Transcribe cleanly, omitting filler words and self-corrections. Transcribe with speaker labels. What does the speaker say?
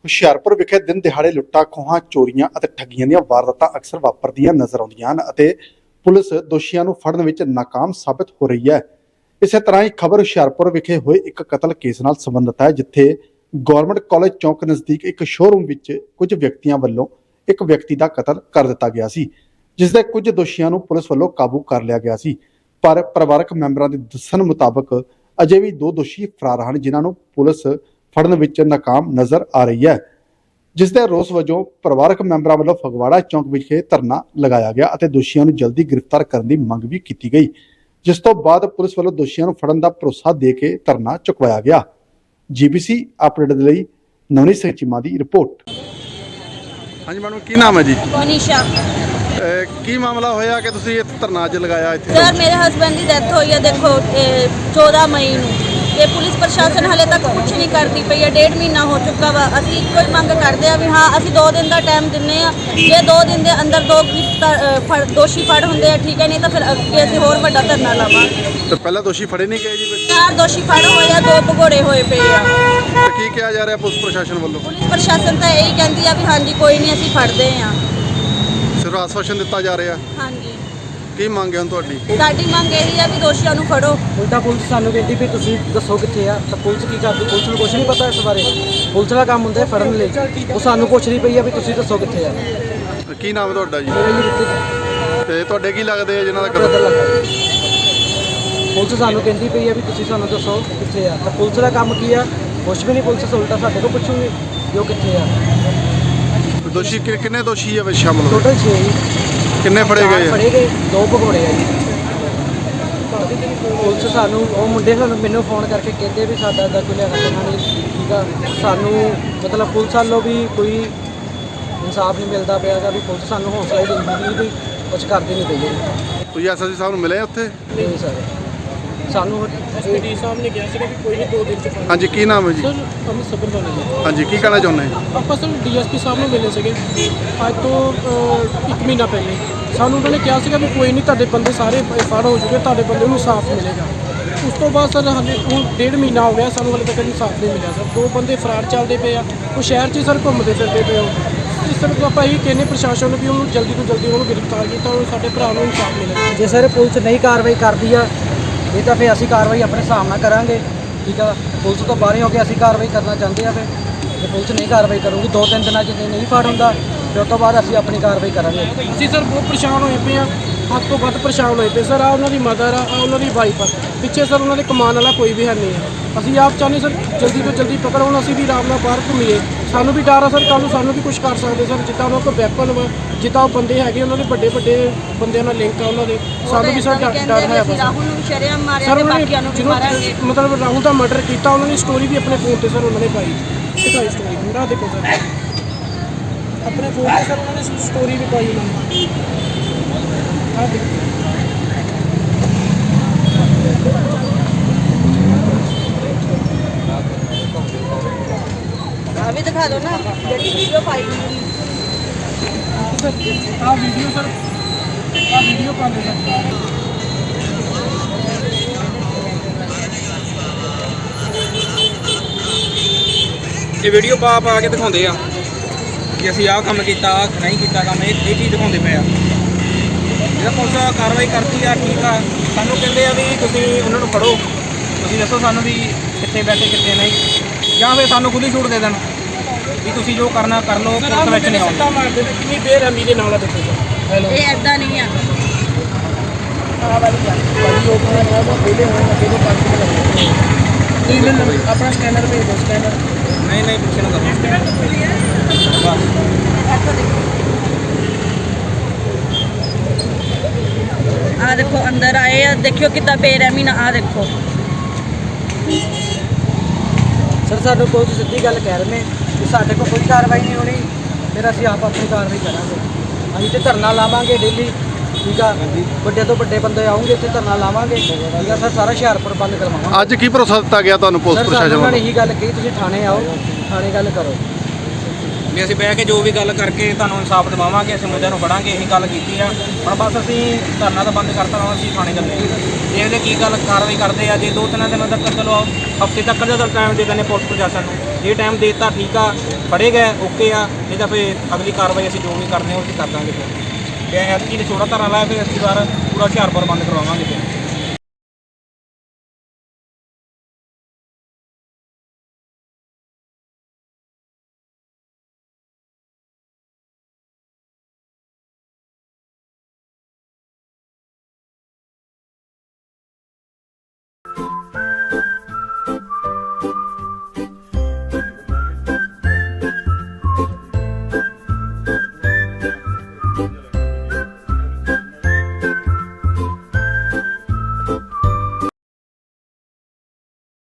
Speaker 1: ਹੁਸ਼ਿਆਰਪੁਰ ਵਿਖੇ ਦਿਨ ਦਿਹਾੜੇ ਲੁੱਟਾਂ ਖੋਹਾਂ ਚੋਰੀਆਂ ਅਤੇ ਠੱਗੀਆਂ ਦੀਆਂ ਵਾਰਦਾਤਾਂ ਅਕਸਰ ਵਾਪਰਦੀਆਂ ਨਜ਼ਰ ਆਉਂਦੀਆਂ ਹਨ ਅਤੇ ਪੁਲਿਸ ਦੋਸ਼ੀਆਂ ਨੂੰ ਫੜਨ ਵਿੱਚ ਨਾਕਾਮ ਸਾਬਤ ਹੋ ਰਹੀ ਹੈ। ਇਸੇ ਤਰ੍ਹਾਂ ਹੀ ਖਬਰ ਹੁਸ਼ਿਆਰਪੁਰ ਵਿਖੇ ਹੋਏ ਇੱਕ ਕਤਲ ਕੇਸ ਨਾਲ ਸੰਬੰਧਿਤ ਹੈ, ਜਿੱਥੇ ਗਵਰਨਮੈਂਟ ਕਾਲਜ ਚੌਕ ਨਜ਼ਦੀਕ ਇੱਕ ਸ਼ੋਰੂਮ ਵਿੱਚ ਕੁਝ ਵਿਅਕਤੀਆਂ ਵੱਲੋਂ ਇੱਕ ਵਿਅਕਤੀ ਦਾ ਕਤਲ ਕਰ ਦਿੱਤਾ ਗਿਆ ਸੀ, ਜਿਸ ਦੇ ਕੁਝ ਦੋਸ਼ੀਆਂ ਨੂੰ ਪੁਲਿਸ ਵੱਲੋਂ ਕਾਬੂ ਕਰ ਲਿਆ ਗਿਆ ਸੀ। ਪਰ ਪਰਿਵਾਰਕ ਮੈਂਬਰਾਂ ਦੇ ਦੱਸਣ ਮੁਤਾਬਕ ਅਜੇ ਵੀ ਦੋ ਦੋਸ਼ੀ ਫਰਾਰ ਹਨ, ਜਿਨ੍ਹਾਂ ਨੂੰ ਪੁਲਿਸ ਫੜਨ ਵਿੱਚ ਨਾਕਾਮ ਨਜ਼ਰ ਆ ਰਹੀ ਹੈ। ਜਿਸ ਦੇ ਰੋਸ ਵਜੋਂ ਪਰਿਵਾਰਕ ਮੈਂਬਰਾਂ ਵੱਲੋਂ ਫਗਵਾੜਾ ਚੌਂਕ ਵਿਖੇ ਧਰਨਾ ਲਗਾਇਆ ਗਿਆ ਅਤੇ ਦੋਸ਼ੀਆਂ ਨੂੰ ਜਲਦੀ ਗ੍ਰਿਫਤਾਰ ਕਰਨ ਦੀ ਮੰਗ ਵੀ ਕੀਤੀ ਗਈ, ਜਿਸ ਤੋਂ ਬਾਅਦ ਪੁਲਿਸ ਵੱਲੋਂ ਦੋਸ਼ੀਆਂ ਨੂੰ ਫੜਨ ਦਾ ਭਰੋਸਾ ਦੇ ਕੇ ਧਰਨਾ ਚੁਕਵਾਇਆ ਗਿਆ। GBC ਅਪਡੇਟ ਦੇ ਲਈ ਨਵਨੀਤ ਸਿੰਘ ਚੀਮਾ ਦੀ ਰਿਪੋर्ट। ਹਾਂਜੀ ਮੈਡਮ, ਕੀ ਨਾਮ ਹੈ ਜੀ?
Speaker 2: ਮਨੀਸ਼ਾ।
Speaker 1: ਕੀ ਮਾਮਲਾ ਹੋਇਆ ਕਿ ਤੁਸੀਂ ਇੱਥੇ ਧਰਨਾ ਅੱਜ ਲਗਾਇਆ? ਇੱਥੇ
Speaker 2: ਸਰ, ਮੇਰੇ ਹਸਬੈਂਡ ਦੀ ਡੈਥ ਹੋਈ ਹੈ। ਦੇਖੋ 14 ਮਈ ਨੂੰ ਤੇ ਪੁਲਿਸ ਪ੍ਰਸ਼ਾਸਨ ਹਲੇ ਤੱਕ ਕੁਝ ਨਹੀਂ ਕਰਦੀ ਪਈ ਹੈ। 1.5 ਮਹੀਨਾ ਹੋ ਚੁੱਕਾ ਵਾ। ਅਸੀਂ ਇੱਕੋ ਹੀ ਮੰਗ ਕਰਦੇ ਆ ਵੀ ਹਾਂ, ਅਸੀਂ 2 ਦਿਨ ਦਾ ਟਾਈਮ ਦਿੰਨੇ ਆ। ਜੇ 2 ਦਿਨ ਦੇ ਅੰਦਰ ਦੋਸ਼ੀ ਫੜ ਹੁੰਦੇ ਆ ਠੀਕ ਹੈ, ਨਹੀਂ ਤਾਂ ਫਿਰ ਅੱਗੇ ਅਸੀਂ ਹੋਰ ਵੱਡਾ ਧਰਨਾ ਲਾਵਾਂਗੇ।
Speaker 1: ਤੇ ਪਹਿਲਾਂ ਦੋਸ਼ੀ ਫੜੇ ਨਹੀਂ ਗਏ ਜੀ?
Speaker 2: 4 ਦੋਸ਼ੀ ਫੜ ਹੋਏ ਆ, 2 ਭਗੌੜੇ ਹੋਏ ਪਏ ਆ।
Speaker 1: ਤੇ ਕੀ ਕਿਹਾ ਜਾ ਰਿਹਾ ਪੁਲਿਸ ਪ੍ਰਸ਼ਾਸਨ ਵੱਲੋਂ?
Speaker 2: ਪੁਲਿਸ ਪ੍ਰਸ਼ਾਸਨ ਤਾਂ ਇਹੀ ਕਹਿੰਦੀ ਆ ਵੀ ਹਾਂਜੀ ਕੋਈ ਨਹੀਂ, ਅਸੀਂ ਫੜਦੇ ਆ।
Speaker 1: ਸਿਰਫ ਆਸ਼ਵਾਸਨ ਦਿੱਤਾ ਜਾ ਰਿਹਾ?
Speaker 2: ਹਾਂਜੀ।
Speaker 1: ਕੀ ਮੰਗ ਹੈ ਹੁਣ ਤੁਹਾਡੀ?
Speaker 2: ਸਾਡੀ ਮੰਗ ਇਹੀ ਆ ਵੀ ਦੋਸ਼ੀਆਂ ਨੂੰ ਫੜੋ।
Speaker 3: ਉਲਟਾ ਪੁਲਿਸ ਸਾਨੂੰ ਕਹਿੰਦੀ ਵੀ ਤੁਸੀਂ ਦੱਸੋ ਕਿੱਥੇ ਆ, ਤਾਂ ਪੁਲਿਸ ਕੀ ਕਰਦੀ? ਪੁਲਿਸ ਨੂੰ ਕੁਝ ਨਹੀਂ ਪਤਾ ਇਸ ਬਾਰੇ। ਪੁਲਿਸ ਦਾ ਕੰਮ ਹੁੰਦਾ ਫੜਨ ਲਈ, ਉਹ ਸਾਨੂੰ ਪੁੱਛ ਰਹੀ ਪਈ ਆ ਵੀ ਤੁਸੀਂ ਦੱਸੋ ਕਿੱਥੇ ਆ।
Speaker 1: ਕੀ ਨਾਮ ਹੈ ਤੁਹਾਡਾ ਜੀ?
Speaker 3: ਮੇਰੇ ਲਈ ਰਿਤਿਕ
Speaker 1: ਤੇ ਤੁਹਾਡੇ ਕੀ ਲੱਗਦੇ ਆ ਜਿਨ੍ਹਾਂ ਦਾ
Speaker 3: ਬ੍ਰਦਰ
Speaker 1: ਕਤਲ?
Speaker 3: ਲੱਗਾ। ਪੁਲਿਸ ਸਾਨੂੰ ਕਹਿੰਦੀ ਪਈ ਆ ਵੀ ਤੁਸੀਂ ਸਾਨੂੰ ਦੱਸੋ ਕਿੱਥੇ ਆ, ਤਾਂ ਪੁਲਿਸ ਦਾ ਕੰਮ ਕੀ ਆ? ਕੁਛ ਵੀ ਨਹੀਂ। ਪੁਲਿਸ ਉਲਟਾ ਸਾਡੇ ਕੋਲ ਪੁੱਛੂਗੀ ਵੀ ਉਹ ਕਿੱਥੇ ਆ।
Speaker 1: ਦੋਸ਼ੀ ਕਿੰਨੇ ਦੋਸ਼ੀ ਆ ਵਿੱਚ ਸ਼ਾਮਲ?
Speaker 3: ਟੋਟਲ 6 ਜੀ।
Speaker 1: ਕਿੰਨੇ ਫੜੇ ਗਏ?
Speaker 3: ਫੜੇ ਗਏ, 2 ਭਗੌੜੇ ਆ ਜੀ। ਪੁਲਿਸ ਸਾਨੂੰ ਉਹ ਮੁੰਡੇ ਮੈਨੂੰ ਫੋਨ ਕਰਕੇ ਕਹਿੰਦੇ ਵੀ ਸਾਡਾ ਦਾ ਕੋਈ ਲਿਆ ਕਰਨਾ ਨਹੀਂ ਠੀਕ ਆ। ਸਾਨੂੰ ਮਤਲਬ ਪੁਲਿਸ ਵੱਲੋਂ ਵੀ ਕੋਈ ਇਨਸਾਫ ਨਹੀਂ ਮਿਲਦਾ ਪਿਆ ਗਾ, ਵੀ ਪੁਲਿਸ ਸਾਨੂੰ ਹੌਸਲਾ ਹੀ ਦਿੰਦੀ ਨਹੀਂ ਵੀ ਕੁਝ ਕਰਦੇ ਨਹੀਂ ਪਈ।
Speaker 1: ਤੁਸੀਂ ਐਸਐਸਪੀ ਸਾਹਿਬ ਨੂੰ ਮਿਲੇ ਉੱਥੇ?
Speaker 3: ਨਹੀਂ ਸਰ, ਸਾਨੂੰ
Speaker 4: ਐਸਪੀਡੀ ਸਾਹਿਬ ਨੇ ਕਿਹਾ ਸੀਗਾ ਕਿ ਕੋਈ ਨਹੀਂ 2 ਦਿਨ ਚ ਫੜ।
Speaker 1: ਹਾਂਜੀ, ਕੀ ਨਾਮ ਹੈ ਜੀ?
Speaker 4: ਸਰ ਅਮਿਤ ਸਬਰਵਾਲ ਜੀ।
Speaker 1: ਹਾਂਜੀ, ਕੀ ਕਹਿਣਾ ਚਾਹੁੰਦੇ?
Speaker 4: ਆਪਾਂ ਸਰ ਡੀਐਸਪੀ ਸਾਹਿਬ ਨੂੰ ਮਿਲੇ ਸੀਗੇ ਅੱਜ ਤੋਂ 1 ਮਹੀਨਾ ਪਹਿਲੇ। ਸਾਨੂੰ ਉਹਨਾਂ ਨੇ ਕਿਹਾ ਸੀਗਾ ਵੀ ਕੋਈ ਨਹੀਂ, ਤੁਹਾਡੇ ਬੰਦੇ ਸਾਰੇ ਫੜ ਹੋ ਚੁੱਕੇ, ਤੁਹਾਡੇ ਬੰਦੇ ਨੂੰ ਇਨਸਾਫ ਮਿਲੇਗਾ। ਉਸ ਤੋਂ ਬਾਅਦ ਸਰ ਹਾਲੇ ਹੁਣ 1.5 ਮਹੀਨਾ ਹੋ ਗਿਆ, ਸਾਨੂੰ ਹਾਲੇ ਤੱਕ ਇਨਸਾਫ ਨਹੀਂ ਮਿਲਿਆ ਸਰ। 2 ਬੰਦੇ ਫਰਾਰ ਚੱਲਦੇ ਪਏ ਆ, ਉਹ ਸ਼ਹਿਰ 'ਚ ਸਰ ਘੁੰਮਦੇ ਫਿਰਦੇ ਪਏ ਹੋ। ਇਸ ਤਰ੍ਹਾਂ ਆਪਾਂ ਇਹੀ ਕਹਿੰਦੇ ਪ੍ਰਸ਼ਾਸਨ ਨੂੰ ਵੀ ਉਹਨੂੰ ਜਲਦੀ ਤੋਂ ਜਲਦੀ ਉਹਨੂੰ ਗ੍ਰਿਫਤਾਰ ਕੀਤਾ ਹੋਵੇ, ਸਾਡੇ ਭਰਾ ਨੂੰ ਇਨਸਾਫ ਮਿਲੇ।
Speaker 3: ਜੇ ਸਰ ਪੁਲਿਸ ਨਹੀਂ ਕਾਰਵਾਈ ਕਰਦੀ ਆ ਇਹ ਤਾਂ ਫਿਰ ਅਸੀਂ ਕਾਰਵਾਈ ਆਪਣੇ ਹਿਸਾਬ ਨਾਲ ਕਰਾਂਗੇ ਠੀਕ ਆ। ਪੁਲਿਸ ਤੋਂ ਬਾਹਰ ਹੋ ਕੇ ਅਸੀਂ ਕਾਰਵਾਈ ਕਰਨਾ ਚਾਹੁੰਦੇ ਆ। ਫਿਰ ਜੇ ਪੁਲਿਸ ਨਹੀਂ ਕਾਰਵਾਈ ਕਰੂਗੀ 2-3 ਦਿਨਾਂ 'ਚ ਨਹੀਂ ਫੜ ਹੁੰਦਾ, ਫਿਰ ਉਸ ਤੋਂ ਬਾਅਦ ਅਸੀਂ ਆਪਣੀ ਕਾਰਵਾਈ ਕਰਾਂਗੇ।
Speaker 4: ਅਸੀਂ ਸਰ ਬਹੁਤ ਪਰੇਸ਼ਾਨ ਹੋਏ ਪਏ ਆ, ਹੱਦ ਤੋਂ ਵੱਧ ਪਰੇਸ਼ਾਨ ਹੋਏ ਪਏ ਸਰ। ਆ ਉਹਨਾਂ ਦੀ ਮਦਰ ਆ, ਉਹਨਾਂ ਦੀ ਵਾਈਫ ਆ, ਪਿੱਛੇ ਸਰ ਉਹਨਾਂ ਦੇ ਕਮਾਉਣ ਵਾਲਾ ਕੋਈ ਵੀ ਹੈ ਨਹੀਂ ਆ। ਅਸੀਂ ਆਪ ਚਾਹੁੰਦੇ ਸਰ ਜਲਦੀ ਤੋਂ ਜਲਦੀ ਪਕੜ ਹੋਣ, ਅਸੀਂ ਵੀ ਆਰਾਮ ਨਾਲ ਬਾਹਰ ਘੁੰਮੀਏ। ਸਾਨੂੰ ਵੀ ਡਰ ਆ ਸਰ, ਕੱਲ੍ਹ ਨੂੰ ਸਾਨੂੰ ਵੀ ਕੁਝ ਕਰ ਸਕਦੇ ਸਰ। ਜਿੱਦਾਂ ਉਹਨਾਂ ਕੋਲ ਵੈਪਨ ਵਾ, ਜਿੱਦਾਂ ਉਹ ਬੰਦੇ ਹੈਗੇ ਉਹਨਾਂ ਦੇ ਵੱਡੇ ਬੰਦਿਆਂ ਨਾਲ ਲਿੰਕ ਆ ਉਹਨਾਂ ਦੇ, ਸਾਨੂੰ ਵੀ ਸਰ ਡਰ ਹੈ ਬਸ।
Speaker 2: ਰਾਹੁਲ ਨੂੰ ਸ਼ਰੇਆਮ ਮਾਰਿਆ
Speaker 4: ਸਰ
Speaker 2: ਤੇ
Speaker 4: ਉਹਨਾਂ
Speaker 2: ਬਾਕੀਆਂ ਨੂੰ
Speaker 4: ਨੇ
Speaker 2: ਵੀ ਮਾਰਾਂਗੇ।
Speaker 4: ਮਤਲਬ ਰਾਹੁਲ ਦਾ ਮਰਡਰ ਕੀਤਾ, ਉਹਨਾਂ ਦੀ ਸਟੋਰੀ ਵੀ ਆਪਣੇ ਫੋਨ ਤੇ ਸਰ ਉਹਨਾਂ ਨੇ ਪਾਈ, ਦਿਖਾਈ ਸਟੋਰੀ ਪੂਰਾ ਦੇਖੋ ਸਰ ਆਪਣੇ ਫੋਨ ਤੇ ਸਰ ਉਹਨਾਂ ਨੇ ਸਟੋਰੀ ਵੀ ਪਾਈ ਉਹਨਾਂ ਨੇ। ਆਹ ਦੇਖੋ
Speaker 2: ਆ ਵੀ ਦਿਖਾ ਦਿਓ ਨਾ ਜਿਹੜੀ ਵੀਡੀਓ ਪਾਈ ਹੋਈ।
Speaker 4: ਸਰ ਆਹ ਵੀਡੀਓ ਸਰ, ਆਹ ਵੀਡੀਓ ਪਾਉਂਦੇ ਸਰ।
Speaker 5: ਇਹ ਵੀਡੀਓ ਪਾ ਕੇ ਦਿਖਾਉਂਦੇ ਆ ਕਿ ਅਸੀਂ ਆਹ ਕੰਮ ਕੀਤਾ, ਆਹ ਨਹੀਂ ਕੀਤਾ ਕੰਮ, ਇਹ ਚੀਜ਼ ਦਿਖਾਉਂਦੇ ਪਏ ਆ। ਜਿਹੜਾ ਪੁਲਿਸ ਕਾਰਵਾਈ ਕਰਦੀ ਆ ਠੀਕ ਆ। ਸਾਨੂੰ ਕਹਿੰਦੇ ਆ ਵੀ ਤੁਸੀਂ ਉਹਨਾਂ ਨੂੰ ਫੜੋ, ਤੁਸੀਂ ਦੱਸੋ ਸਾਨੂੰ ਵੀ ਕਿੱਥੇ ਬੈਠੇ ਕਿੱਥੇ ਨਹੀਂ, ਜਾਂ ਫਿਰ ਸਾਨੂੰ ਖੁੱਲ੍ਹੀ ਛੂਟ ਦੇ ਦੇਣ ਵੀ ਤੁਸੀਂ ਜੋ ਕਰਨਾ ਕਰ ਲਓ, ਪੁਲਿਸ ਵਿੱਚ ਨਹੀਂ ਆਉਣੀ।
Speaker 4: ਸੱਟਾਂ ਮਾਰਦੇ ਨੇ, ਕਿੰਨੀ ਬੇਰਹਿਮੀ ਦੇ ਨਾਲ ਆ ਦੇਖੋ ਸਰ। ਹੈਲੋ
Speaker 2: ਇਹ ਐਦਾਂ ਨਹੀਂ ਆ।
Speaker 4: ਆਪਣਾ ਸਕੈਨਰ ਭੇਜ ਦਿਓ, ਸਕੈਨਰ।
Speaker 5: ਨਹੀਂ ਪਿੱਛੇ ਨੂੰ ਕਰੋ ਬਸ।
Speaker 2: ਆ ਦੇਖੋ ਅੰਦਰ ਆਏ ਆ, ਦੇਖਿਓ ਕਿੱਦਾਂ ਬੇਰਹਿਮੀ ਨਾਲ। ਆ ਦੇਖੋ
Speaker 3: ਸਰ ਸਾਨੂੰ ਪੁਲਿਸ ਸਿੱਧੀ ਗੱਲ ਕਹਿ ਰਹੇ ਨੇ ਕਿ ਸਾਡੇ ਕੋਲ ਕੋਈ ਕਾਰਵਾਈ ਨਹੀਂ ਹੋਣੀ, ਫਿਰ ਅਸੀਂ ਆਪ ਆਪਣੀ ਕਾਰਵਾਈ ਕਰਾਂਗੇ। ਅਸੀਂ ਤੇ ਧਰਨਾ ਲਾਵਾਂਗੇ ਡੇਲੀ ਠੀਕ ਆ। ਵੱਡੇ ਤੋਂ ਵੱਡੇ ਬੰਦੇ ਆਉਂਗੇ ਇੱਥੇ ਧਰਨਾ ਲਾਵਾਂਗੇ ਠੀਕ ਆ ਸਰ। ਸਾਰਾ ਹੁਸ਼ਿਆਰਪੁਰ ਬੰਦ ਕਰਵਾਵਾਂਗੇ।
Speaker 1: ਅੱਜ ਕੀ ਭਰੋਸਾ ਦਿੱਤਾ ਗਿਆ ਤੁਹਾਨੂੰ ਪੁਲਿਸ
Speaker 3: ਸਰ
Speaker 1: ਪ੍ਰਸ਼ਾਸਨ
Speaker 3: ਉਹਨਾਂ ਨੇ
Speaker 1: ਵੱਲੋਂ?
Speaker 3: ਇਹੀ ਗੱਲ ਕਹੀ ਤੁਸੀਂ ਥਾਣੇ ਆਓ, ਥਾਣੇ ਗੱਲ ਕਰੋ
Speaker 5: ਵੀ ਅਸੀਂ ਬਹਿ ਕੇ ਜੋ ਵੀ ਗੱਲ ਕਰਕੇ ਤੁਹਾਨੂੰ ਇਨਸਾਫ ਦਿਵਾਵਾਂਗੇ, ਅਸੀਂ ਮੁੰਡਿਆਂ ਨੂੰ ਫੜਾਂਗੇ, ਇਹੀ ਗੱਲ ਕੀਤੀ ਆ। ਹੁਣ ਬਸ ਅਸੀਂ ਧਰਨਾ ਤਾਂ ਬੰਦ ਕਰਤਾ, ਹੁਣ ਅਸੀਂ ਥਾਣੇ ਚੱਲੇ ਦੇਖਦੇ ਕੀ ਗੱਲ ਕਾਰਵਾਈ ਕਰਦੇ ਆ। ਜੇ 2-3 ਦਿਨਾਂ ਤੱਕ ਚਲੋ ਹਫ਼ਤੇ ਤੱਕ ਦਾ ਟਾਈਮ ਦੇ ਦਿੰਦੇ ਪੁਲਿਸ ਪ੍ਰਸ਼ਾਸਨ ਨੂੰ, ਜੇ ਟਾਈਮ ਦੇ ਦਿੱਤਾ ਠੀਕ ਆ, ਫੜੇ ਗਏ ਓਕੇ ਆ, ਨਹੀਂ ਤਾਂ ਫਿਰ ਅਗਲੀ ਕਾਰਵਾਈ ਅਸੀਂ ਜੋ ਵੀ ਕਰਦੇ ਹਾਂ ਉਹ ਅਸੀਂ ਕਰ ਦਾਂਗੇ ਫਿਰ। ਤੇ ਐਤਕੀ ਨੇ ਛੋੜਾ ਧਾਰਾ ਲਾਇਆ, ਫਿਰ ਅਸੀਂ ਵਾਰ ਪੂਰਾ ਹੁਸ਼ਿਆਰਪੁਰ ਬੰਦ ਕਰਵਾਵਾਂਗੇ ਫਿਰ।